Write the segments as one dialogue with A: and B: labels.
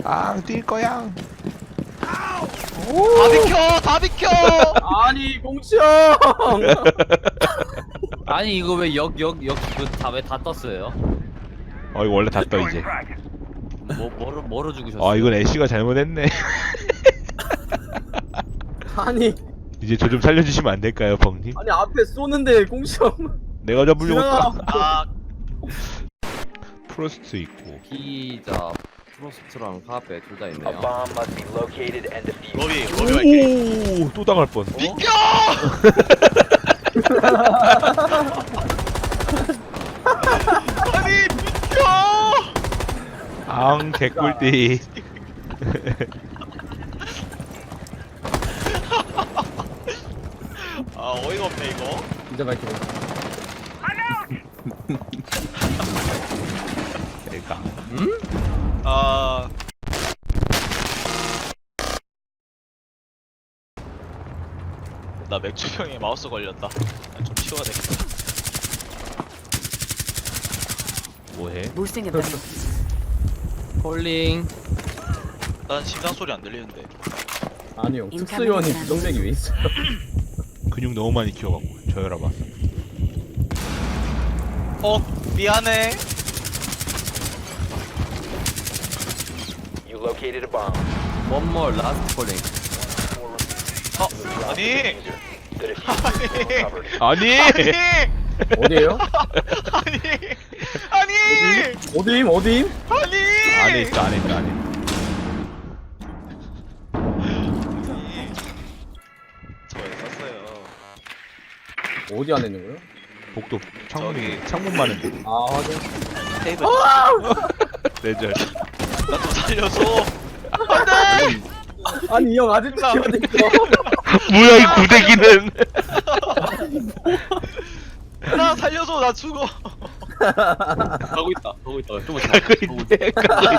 A: 뛸 거야.
B: 다 비켜! 다 비켜!
C: 아니 공치형.
D: 아니 이거 왜 왜 다 떴어요?
A: 이거 원래 다 떠 이제.
D: 뭐로 죽으셨어요?
A: 이건 애쉬가 잘못했네.
C: 아니
A: 이제 저 좀 살려주시면 안 될까요, 벙님?
C: 아니 앞에 쏘는데 공치형.
A: 내가 잡으려고
C: 지나가.
A: 했다.
B: 아,
A: 프로스트 있고.
D: 피자 프로스트랑 카페 둘 다
E: A
D: 있네요.
E: bomb must be located and defused.
B: 로비 할게.
A: 오, 또 당할 뻔.
B: 비켜! 아니, 비켜!
A: 개꿀띠.
B: 아, 어이가 없네, 이거.
C: 진짜 밝히고.
A: 내가.
B: 아. 나 맥주병에 마우스 걸렸다. 좀 치워야 되겠다.
A: 뭐해?
F: Boosting ability.
D: 콜링.
B: 난 심장 소리 안 들리는데.
C: 아니요 특수요원이 부정맥이 왜 있어요?
A: 근육 너무 많이 키워갖고 저혈압 왔어.
B: 미안해.
E: You located a bomb.
D: One more last 콜링.
B: 아니.
E: The diffuser is recovered.
A: 아니!
C: 어디에요?
B: 아니.
C: 어디임?
B: 아니.
A: 안에 있어, 안에 있어, 안에.
B: 저에 썼어요.
C: 어디 안에 있는 거예요?
A: 복도 창문이
B: 저기.
A: 창문 많은데.
C: 아 확인.
B: 테이블.
A: 레절.
B: 나 좀 살려줘.
C: 아니 이 형 아직도 기어댕겨.
A: 뭐야 이 구데기는?
B: 나 살려줘. 나 죽어.
D: 가고 있다. 좀
A: 가고 있네.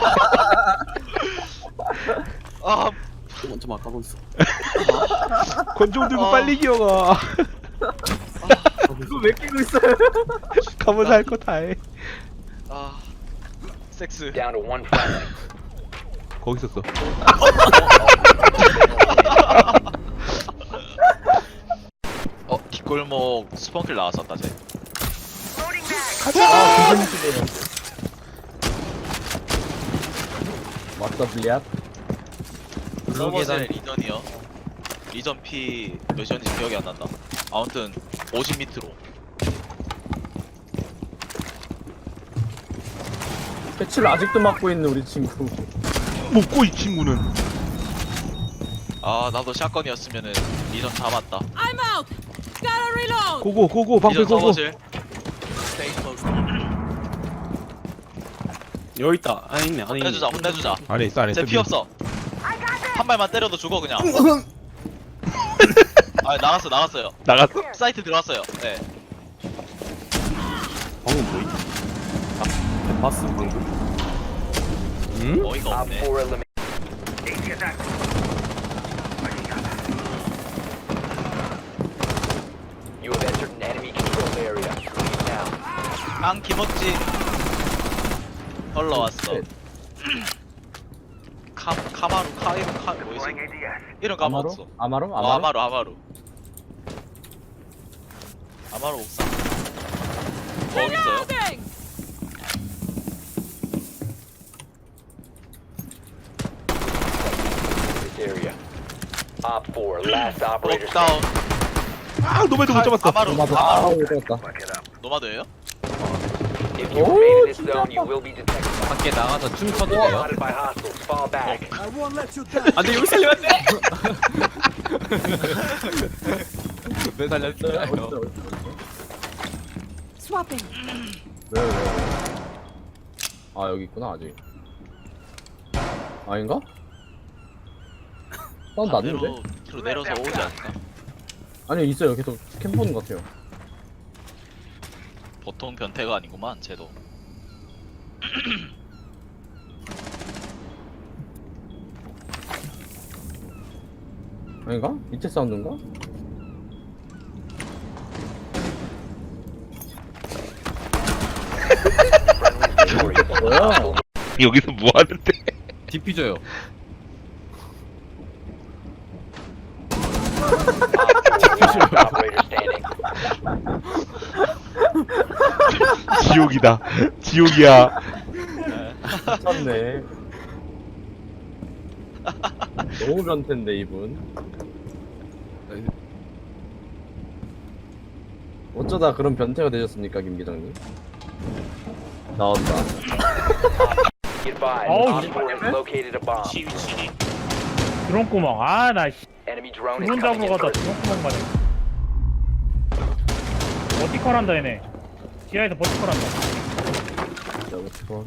B: 아,
D: 좀만 가고 있어.
A: 권총 들고 빨리 기어가.
C: 그거 왜 끼고 있어요?
A: 가면서 할 거 다 해.
B: 아. 섹스.
E: Down to one friendly.
A: 거기 있었어.
B: 뒷골목 스펀킬 나왔었다 쟤.
C: 아 기분 맞다 블리앗.
B: 서버셀 리전이요. 리전 P 몇이었는지 기억이 안 난다. 아무튼 50 밑으로.
C: 패치를 아직도 맡고 있는 우리 친구.
A: 먹고 이 친구는.
B: 아, 나도 샷건이었으면은 리전 잡았다.
F: I'm out. Gotta reload.
A: 고고 방패
B: 리전
A: 고고.
B: 서버셀.
D: 여기 있다. 안에 있네. 안에
B: 혼내주자, 혼내주자.
A: 안에 있어 안에 있어.
B: 쟤 피 없어. 한 발만 때려도 죽어 그냥. 아, 나갔어요.
A: 나갔어?
B: 사이트 들어왔어요. 네.
D: 방금 뭐이? 봤어 방금.
B: 어이가
E: Op
B: 없네.
E: 4 eliminated. You have entered an enemy controlled area. Leave now.
B: 앙 김어찌 올라왔어. 카마루 뭐였어? 이름
C: 아마로?
B: 까먹었어.
C: 아마로?
B: 아마루 옥상. 거기 있어요.
F: Reloading.
E: This area. Op 4, last operator
B: 옥다운.
A: 노매도 못 잡았어.
B: 아마루.
C: 아마로 못 다
B: 노마드예요?
E: If you remain in this zone, you will be detected by
D: 밖에 나가서 춤 춰도 돼요?
E: spotted by hostiles. Fall back.
D: 안돼 여기 살리면 안돼. 왜 살렸어요?
F: Swapping.
C: 왜? 아 여기 있구나 아직. 아닌가? 난 났는데?
B: 밑으로 내려서 오지 않을까?
C: 아니 있어요 계속 캠 보는 것 같아요.
B: 보통 변태가 아니구만 쟤도.
C: 아닌가? 밑에 사운드인가?
E: Victorious.
C: 뭐야?
A: 여기서 뭐 하는데?
D: 디퓨저요.
E: Operator standing.
A: 지옥이다. 지옥이야.
C: 미쳤네. 너무 변태인데 이분. 어쩌다 그런 변태가 되셨습니까, 김 기장님? 나온다.
E: Be advised,
G: Oh,
E: Op 4 has located a bomb.
G: 드론 구멍. 아, 나 씨.
E: Enemy drone is
G: 드론
E: coming
G: 잡으러
E: in
G: 가다
E: first.
G: 드론 구멍 가네. 버티컬 한다, 얘네. 지하에서 버티컬 한다.
C: 자, 어떡해.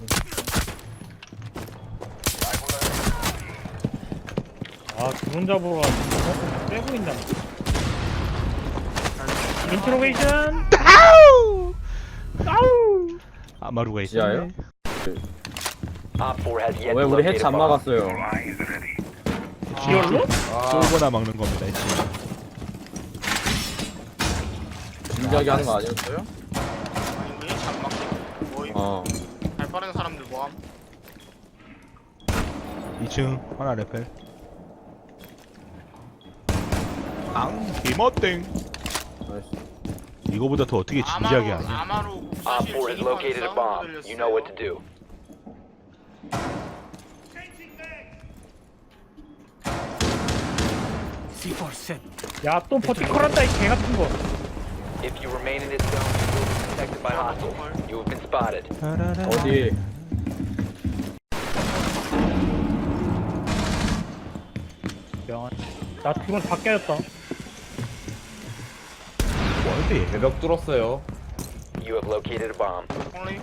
G: 아, 드론 잡으러 가다 빼고 있나. 인트로게이션!
A: 아우! 아우! 아마루가 있어.
C: 지하요?
E: Op 4 has yet
C: 왜
E: to
C: 우리
E: locate
C: 해치
E: a
C: 안
E: bomb.
C: 막았어요?
G: 지열로?
A: 쏘거나 막는 겁니다. 해치.
C: 진지하게 하는 거 아니었어요?
H: 아니 왜 잠막 거의
C: 어.
H: 발 빠른 사람들 뭐함?
A: 2층 하나 레펠. 앙 개멋땡.
C: 나이스.
A: 이거보다 더 어떻게 진지하게 하냐?
H: 아마로
E: Op
H: 사실
E: 4 has located a bomb. You know what to do.
G: 야, 또 버티컬 한다, 이 개 같은 거.
E: If you remain in this zone, you will be detected by hostiles. You have been spotted.
C: 어디?
G: 명한. 나 드론 다 깨졌다.
A: 뭔데 얘?
D: 외벽 뚫었어요.
E: You have located a bomb.
H: 홀리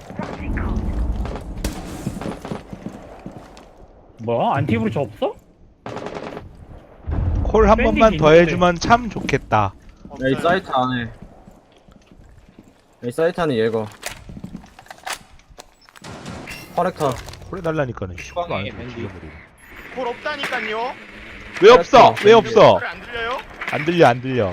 G: 뭐야? 안티브리지 없어?
A: 콜 한 번만
G: 밴디지
A: 더
G: 있는데.
A: 해주면 참 좋겠다.
C: 야, 이 사이트 안에. 이 사이트 안에 얘가. 커렉터.
A: 콜 해달라니까는 시간 안
D: 밴디.
A: 죽여버리고.
H: 콜 없다니깐요.
A: 왜 없어? 왜 없어?
H: 콜 안 들려요?
A: 안 들려 안 들려.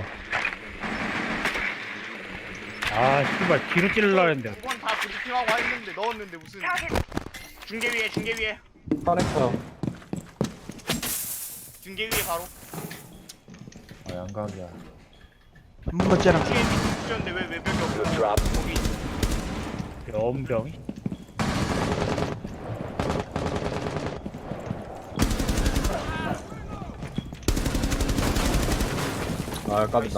G: 아, 씨발, 뒤로 찔러라 했는데.
H: 두번 다 브리핑하고 했는데 넣었는데 무슨 중계 위에
C: 커렉터.
H: 중계 위에 바로
D: 아, 양각이야.
A: 한 번만 째랑.
H: 중계 미쳤는데 왜 외벽이
E: You
H: 없어?
E: have dropped.
H: 거기
G: 연병이.
C: 아, 깝이다.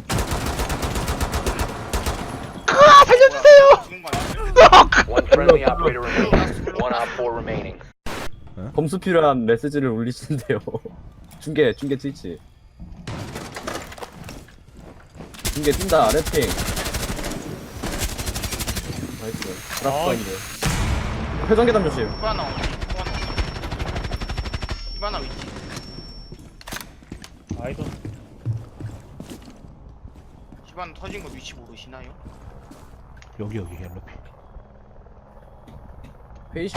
A: 아 살려주세요.
H: 죽은 거 아니야?
E: One friendly operator remaining. One Op 4 remaining.
C: 검수 필요한 메시지를 울리신대요. 중계 트위치. 중계 뛴다, 랩핑. 나이스. 드랍스인데. 회전 계단 조심.
H: 히바나 어디? 히바나 위치.
G: 아이도.
H: 히바나 터진 거 위치 모르시나요?
A: 여기 헬로피.
C: 페이시.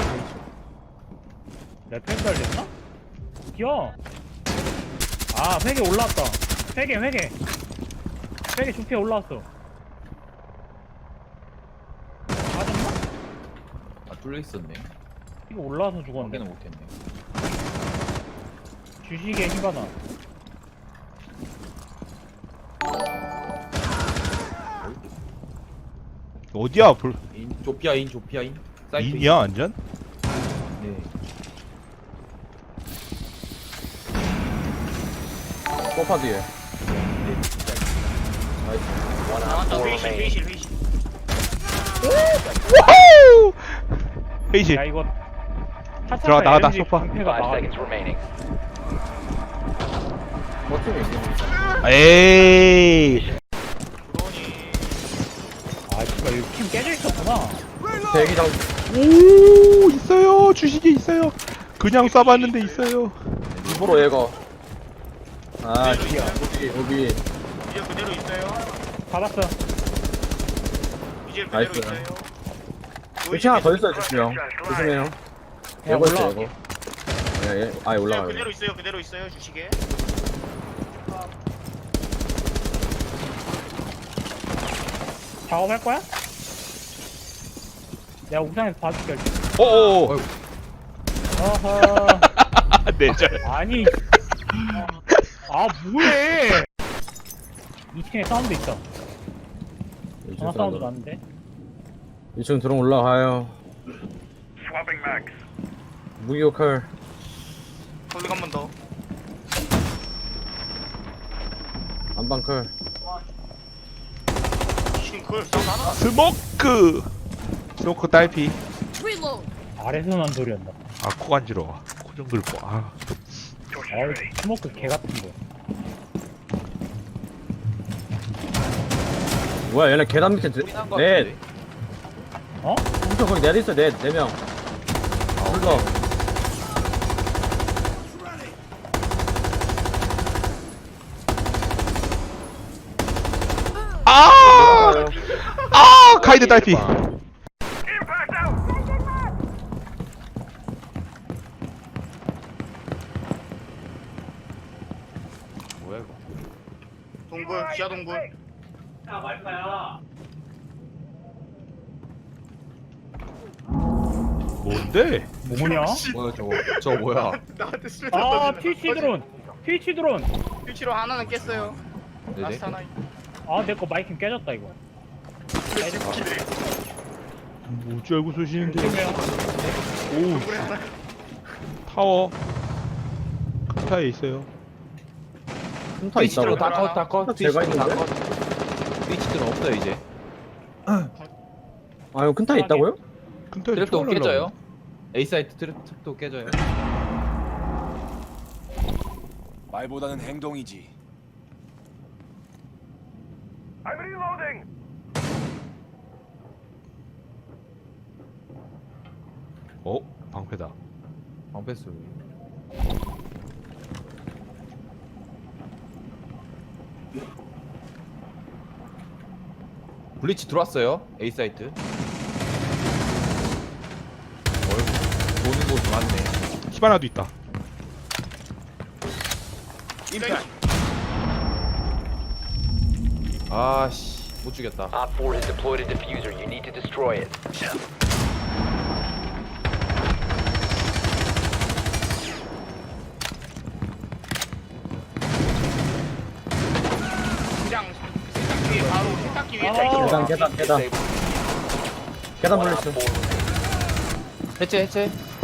G: 레펠 달렸나? 어디야? 아, 회계 올라왔다. 회계. 회계 좋게 올라왔어. 맞았나?
D: 아, 뚫려 있었네.
G: 이거 올라와서 죽었는데.
D: 확인을 못했네.
G: 주식에 힘바나.
A: 어디야?
D: 조피아인. 사이트
A: 인이야 완전?
D: 네.
C: 소파 뒤에. 나이스.
E: One Op
H: 나왔다
E: 4
H: 회의실
E: remaining.
H: 회의실.
A: 와우! 회의실.
G: 야, 이거.
A: 들어가, 나가다, 소파.
G: 방패가
E: 5
G: 막아.
E: seconds remaining.
C: 버티면 이기는.
A: 에이.
H: 드론이
G: 아, 씨발, 여기 팀 깨져 있었구나.
C: 대기장.
A: 오 있어요. 주식이 있어요. 그냥 쏴봤는데 있어요.
C: 입으로 얘가. 아, 여기.
H: 이제 그대로 있어요.
G: 잡았어.
H: 이제 그대로
C: 나이스.
H: 있어요.
C: 여기 하나 더 있어요, 조심해요. 조심해요.
G: 야,
C: 얘거 있어,
G: 올라갈게.
C: 얘거. 예, 아예 올라가요.
H: 그대로 있어요 주식에.
G: 작업할 거야? 내가 옥상에서 봐줄게.
A: 어어.
G: 어, 어허.
A: 내절.
G: 아니. 뭐해? 2층에 사운드 있어. 전화 사운드 났는데.
C: 2층 드론 올라가요. 무기호칼.
H: 돌리고 한 번 더.
C: 안방칼.
H: 싱클 사운드 하나.
A: 스모크 딸피.
F: Reload.
G: 아래서 난 소리였나?
A: 코 간지러워. 코 좀 긁고.
G: 스모크 개 같은 거.
C: 뭐야 얘네 계단 밑에
D: 우리한 거
C: 넷.
D: 같은데?
G: 어?
C: 엄청 거기 넷 있어 넷 4명. 불러.
A: 카이드 딸피.
D: 뭐야 이거?
H: 동굴 지하 동굴.
A: 뭔데?
G: 뭐냐?
D: 뭐야 저거 뭐야?
H: 나한테 술
G: 트위치 드론. 트위치 드론.
H: 퓨치로 하나는 깼어요.
D: 네네.
H: 라스트 하나.
G: 내 거 마이킹 깨졌다 이거.
A: 뭐지 알고 쏘시는데?
G: 조심해요.
A: 오. 타워. 큰 타에 있어요.
C: 흠타 있다고.
D: 다 컷.
C: 제가 있는데?
D: 트위치들은 없어요 이제.
C: 이거 큰 타 있다고요?
A: 큰 타에
D: 트랩도
A: 총알
D: 깨져요. A 사이트 트랩도 깨져요.
I: 말보다는 행동이지.
A: 방패다.
D: 방패스. 블리치 들어왔어요. A 사이트. 보는 곳 많네.
A: 히바나도 있다.
D: 아씨 못 죽였다.
E: Op 4 has deployed a diffuser. You need to destroy it.
H: 그냥 세탁기 위에 바로 세탁기 위에
C: 계단. 계단
E: Disable.
C: 계단 물렸어.
E: Op 4
D: 해체.